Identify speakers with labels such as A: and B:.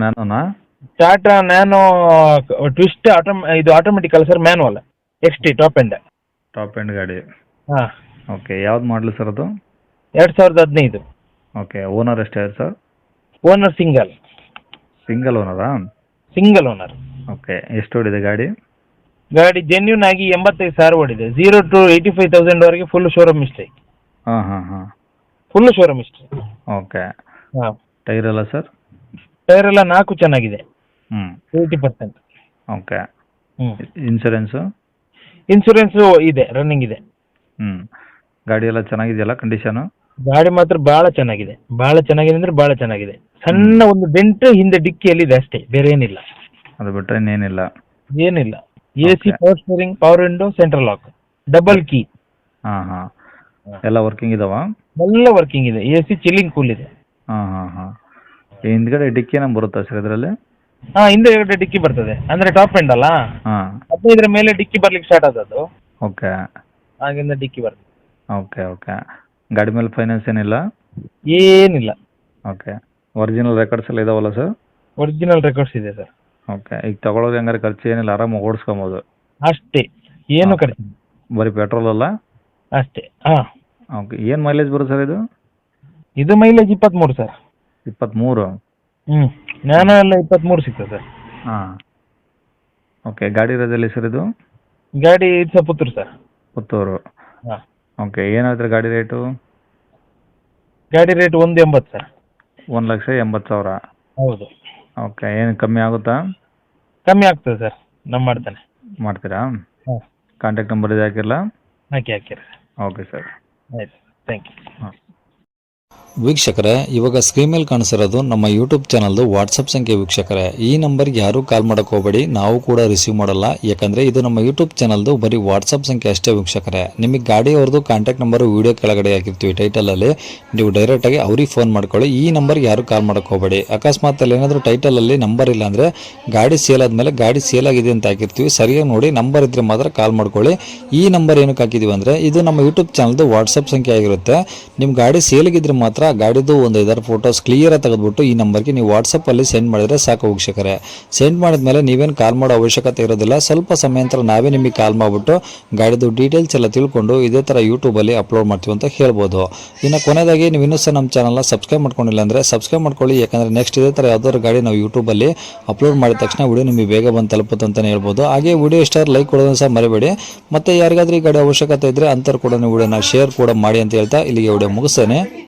A: ನ್ಯಾನೋನಾ?
B: Tata nano twist ಇದು automatic ಅಲ್ಲ sir, manual XT top end.
A: Top end ಗಾಡಿ.
B: ಹಾಂ,
A: ಓಕೆ, ಯಾವ್ದು ಮಾಡಲು ಸರ್ ಅದು?
B: 2015.
A: ಓಕೆ, ಓನರ್ ಎಷ್ಟಾಗಿದೆ ಸರ್?
B: ಓನರ್ ಸಿಂಗಲ್
A: ಓನರಾ?
B: Single owner.
A: ಓಕೆ, ಎಷ್ಟು ಓಡಿದೆ ಗಾಡಿ?
B: ಗಾಡಿ ಜೆನ್ಯೂನ್ ಆಗಿ 85,000 ಓಡಿದೆ. 0 to 85,000 ವರೆಗೆ ಫುಲ್ ಶೋರೂಮ್ ಹಿಸ್ಟ್ರಿ.
A: ಹಾಂ.
B: Full showroom history.
A: ಓಕೆ,
B: ಹಾಂ.
A: ಟೈರ್ ಎಲ್ಲ ಸರ್?
B: ಟೈರ್ ಎಲ್ಲ 4 ಚೆನ್ನಾಗಿದೆ,
A: ಹ್ಞೂ.
B: 80%.
A: ಓಕೆ.
B: ಹ್ಞೂ.
A: ಇನ್ಸೂರೆನ್ಸು?
B: ಇನ್ಸೂರೆನ್ಸು ಇದೆ, ರನ್ನಿಂಗ್ ಇದೆ.
A: ಹ್ಞೂ. ಗಾಡಿ ಎಲ್ಲ ಚೆನ್ನಾಗಿದೆಯಲ್ಲ ಕಂಡೀಷನು?
B: ಗಾಡಿ ಮಾತ್ರ ಭಾಳ ಚೆನ್ನಾಗಿದೆ ಅಂದ್ರೆ ಭಾಳ ಚೆನ್ನಾಗಿದೆ. ಸಣ್ಣ ಒಂದು ಡೆಂಟ್ ಹಿಂದೆ ಡಿಕ್ಕಿಯಲ್ಲಿ ಇದೆ ಅಷ್ಟೇ, ಬೇರೆ ಏನಿಲ್ಲ.
A: ಅದು ಬಿಟ್ಟರೆ ಇನ್ನೇನಿಲ್ಲ?
B: ಏನಿಲ್ಲ. AC, power steering, power window, central lock, double key.
A: ಹಾಂ. ಎಲ್ಲ ವರ್ಕಿಂಗ್ ಇದಾವ?
B: ಎಲ್ಲ ವರ್ಕಿಂಗ್ ಇದೆ. AC ಚಿಲ್ಲಿಂಗ್ ಕೂಲ್ ಇದೆ.
A: ಹಾಂ. ಹಿಂದ್ಗಡೆ ಡಿಕ್ಕಿ ಏನೋ ಬರುತ್ತಾ ಸರ್ ಇದರಲ್ಲಿ?
B: ಹಾಂ, ಹಿಂದೆ 2 ಡಿಕ್ಕಿ ಬರ್ತದೆ, ಅಂದ್ರೆ ಟಾಪ್ ಎಂಡ್ ಅಲ್ಲ.
A: ಹಾಂ.
B: 15 ಮೇಲೆ ಡಿಕ್ಕಿ ಬರ್ಲಿಕ್ಕೆ ಸ್ಟಾರ್ಟ್ ಆದದ್ದು,
A: ಓಕೆ.
B: ಆಗಿಂದ ಡಿಕ್ಕಿ ಬರ್ತದೆ.
A: ಓಕೆ. ಗಾಡಿ ಮೇಲೆ ಫೈನಾನ್ಸ್ ಏನಿಲ್ಲ?
B: ಏನಿಲ್ಲ.
A: ಓಕೆ. ಒರಿಜಿನಲ್ ರೆಕಾರ್ಡ್ಸ್ ಎಲ್ಲ ಇದಾವಲ್ಲ ಸರ್?
B: ಒರಿಜಿನಲ್ ರೆಕಾರ್ಡ್ಸ್ ಇದೆ ಸರ್.
A: ಓಕೆ. ಈಗ ತಗೊಳ್ಳೋದು ಹೆಂಗಾರೆ ಖರ್ಚು ಏನಿಲ್ಲ, ಆರಾಮಾಗಿ ಓಡಿಸ್ಕೊಬೋದು?
B: ಅಷ್ಟೇ, ಏನು ಖರ್ಚು
A: ಬರೀ ಪೆಟ್ರೋಲ್ ಅಲ್ಲ?
B: ಅಷ್ಟೇ. ಹಾಂ.
A: ಓಕೆ. ಏನು ಮೈಲೇಜ್ ಬರುತ್ತೆ ಸರ್ ಇದು?
B: ಇದು ಮೈಲೇಜ್ 23 ಸರ್.
A: 23?
B: ನ್ಯಾನೋ ಎಲ್ಲ 23 ಸಿಗ್ತದೆ ಸರ್.
A: ಹಾಂ. ಓಕೆ. ಗಾಡಿ ಇರೋದೆಲ್ಲಿ ಸರ್ ಇದು?
B: ಗಾಡಿ ಇದು ಪುತ್ತೂರು ಸರ್.
A: ಪುತ್ತೂರು.
B: ಹಾಂ.
A: ಓಕೆ. ಏನು ಹೇಳ್ತೀರಿ ಗಾಡಿ ರೇಟು?
B: ಗಾಡಿ ರೇಟ್ 180 ಸರ್.
A: 1,80,000?
B: ಹೌದು.
A: ಓಕೆ. ಏನು ಕಮ್ಮಿ ಆಗುತ್ತಾ?
B: ಕಮ್ಮಿ ಆಗ್ತದೆ ಸರ್, ನಮ್ಮ ಮಾಡ್ತಾನೆ.
A: ಮಾಡ್ತೀರಾ?
B: ಹಾಂ.
A: ಕಾಂಟ್ಯಾಕ್ಟ್ ನಂಬರ್ ಇದು ಹಾಕಿರಲ್ಲ?
B: ಹಾಕಿರಿ.
A: Okay sir.
B: ಆಯ್ತು, ಥ್ಯಾಂಕ್ ಯು.
A: ಹಾಂ.
C: ವೀಕ್ಷಕರೇ, ಇವಾಗ ಸ್ಕ್ರೀನ್ ಮೇಲೆ ಕಾಣಿಸಿರೋದು ನಮ್ಮ ಯೂಟ್ಯೂಬ್ ಚಾನಲ್ದು ವಾಟ್ಸಪ್ ಸಂಖ್ಯೆ. ವೀಕ್ಷಕರೇ, ಈ ನಂಬರ್ಗೆ ಯಾರೂ ಕಾಲ್ ಮಾಡೋಕೆ ಹೋಗಬೇಡಿ, ನಾವು ಕೂಡ ರಿಸೀವ್ ಮಾಡಲ್ಲ. ಯಾಕಂದರೆ ಇದು ನಮ್ಮ ಯೂಟ್ಯೂಬ್ ಚಾನಲ್ದು ಬರೀ ವಾಟ್ಸಪ್ ಸಂಖ್ಯೆ ಅಷ್ಟೇ. ವೀಕ್ಷಕರೇ, ನಿಮಗೆ ಗಾಡಿಯವ್ರದ್ದು ಕಾಂಟ್ಯಾಕ್ಟ್ ನಂಬರು ವೀಡಿಯೋ ಕೆಳಗಡೆ ಹಾಕಿರ್ತೀವಿ ಟೈಟಲಲ್ಲಿ, ನೀವು ಡೈರೆಕ್ಟಾಗಿ ಅವ್ರಿಗೆ ಫೋನ್ ಮಾಡ್ಕೊಳ್ಳಿ. ಈ ನಂಬರ್ಗೆ ಯಾರೂ ಕಾಲ್ ಮಾಡೋಕೆ ಹೋಗಬೇಡಿ. ಅಕಸ್ಮಾತ್ ಅಲ್ಲಿ ಏನಾದರೂ ಟೈಟಲಲ್ಲಿ ನಂಬರ್ ಇಲ್ಲ ಅಂದರೆ ಗಾಡಿ ಸೇಲ್ ಆದಮೇಲೆ ಗಾಡಿ ಸೇಲ್ ಆಗಿದೆ ಅಂತ ಹಾಕಿರ್ತೀವಿ, ಸರಿಯಾಗಿ ನೋಡಿ ನಂಬರ್ ಇದ್ದರೆ ಮಾತ್ರ ಕಾಲ್ ಮಾಡ್ಕೊಳ್ಳಿ. ಈ ನಂಬರ್ ಏನಕ್ಕೆ ಹಾಕಿದ್ದೀವಿ ಅಂದರೆ ಇದು ನಮ್ಮ ಯೂಟ್ಯೂಬ್ ಚಾನಲ್ದು ವಾಟ್ಸಪ್ ಸಂಖ್ಯೆ ಆಗಿರುತ್ತೆ. ನಿಮ್ಮ ಗಾಡಿ ಸೇಲಿಗಿದ್ರೆ ಮಾತ್ರ ಗಾಡಿದು ಒಂದು 5 ಫೋಟೋಸ್ ಕ್ಲಿಯರ್ ಆಗಿ ತೆಗೆದುಬಿಟ್ಟು ಈ ನಂಬರ್ಗೆ ನೀವು ವಾಟ್ಸಪ್ಪಲ್ಲಿ ಸೆಂಡ್ ಮಾಡಿದರೆ ಸಾಕು. ವೀಕ್ಷಕರೇ, ಸೆಂಡ್ ಮಾಡಿದ್ಮೇಲೆ ನೀವೇನು ಕಾಲ್ ಮಾಡೋ ಅವಶ್ಯಕತೆ ಇರೋದಿಲ್ಲ. ಸ್ವಲ್ಪ ಸಮಯ ನಂತರ ನಾವೇ ನಿಮಗೆ ಕಾಲ್ ಮಾಡಿಬಿಟ್ಟು ಗಾಡಿದು ಡೀಟೇಲ್ಸ್ ಎಲ್ಲ ತಿಳ್ಕೊಂಡು ಇದೇ ಥರ ಯೂಟ್ಯೂಬಲ್ಲಿ ಅಪ್ಲೋಡ್ ಮಾಡ್ತೀವಿ ಅಂತ ಹೇಳ್ಬೋದು. ಇನ್ನು ಕೊನೆಯದಾಗಿ ನೀವು ಇನ್ನೂ ಸಹ ನಮ್ಮ ಚಾನಲ್ನ ಸಬ್ಸ್ಕ್ರೈಬ್ ಮಾಡ್ಕೊಂಡಿಲ್ಲ ಅಂದರೆ ಸಬ್ಸ್ಕ್ರೈಬ್ ಮಾಡ್ಕೊಳ್ಳಿ. ಯಾಕಂದರೆ ನೆಕ್ಸ್ಟ್ ಇದೇ ಥರ ಯಾವ್ದಾದ್ರು ಗಾಡಿ ನಾವು ಯೂಟ್ಯೂಬಲ್ಲಿ ಅಪ್ಲೋಡ್ ಮಾಡಿದ ತಕ್ಷಣ ವಿಡಿಯೋ ನಿಮಗೆ ಬೇಗ ಬಂದು ತಲುಪುತ್ತೆ ಅಂತಲೇ ಹೇಳ್ಬೋದು. ಹಾಗೆ ವಿಡಿಯೋ ಇಷ್ಟ ಲೈಕ್ ಕೊಡೋದನ್ನು ಸಹ ಮರಿಬೇಡಿ. ಮತ್ತು ಯಾರಿಗಾದ್ರೂ ಈ ಗಾಡಿ ಅವಶ್ಯಕತೆ ಇದ್ದರೆ ಅಂಥವ್ರು ಕೂಡ ನೀವು ವಿಡಿಯೋನ ಶೇರ್ ಕೂಡ ಮಾಡಿ ಅಂತ ಹೇಳ್ತಾ ಇಲ್ಲಿಗೆ ವಿಡಿಯೋ ಮುಗಿಸ್ತೇನೆ.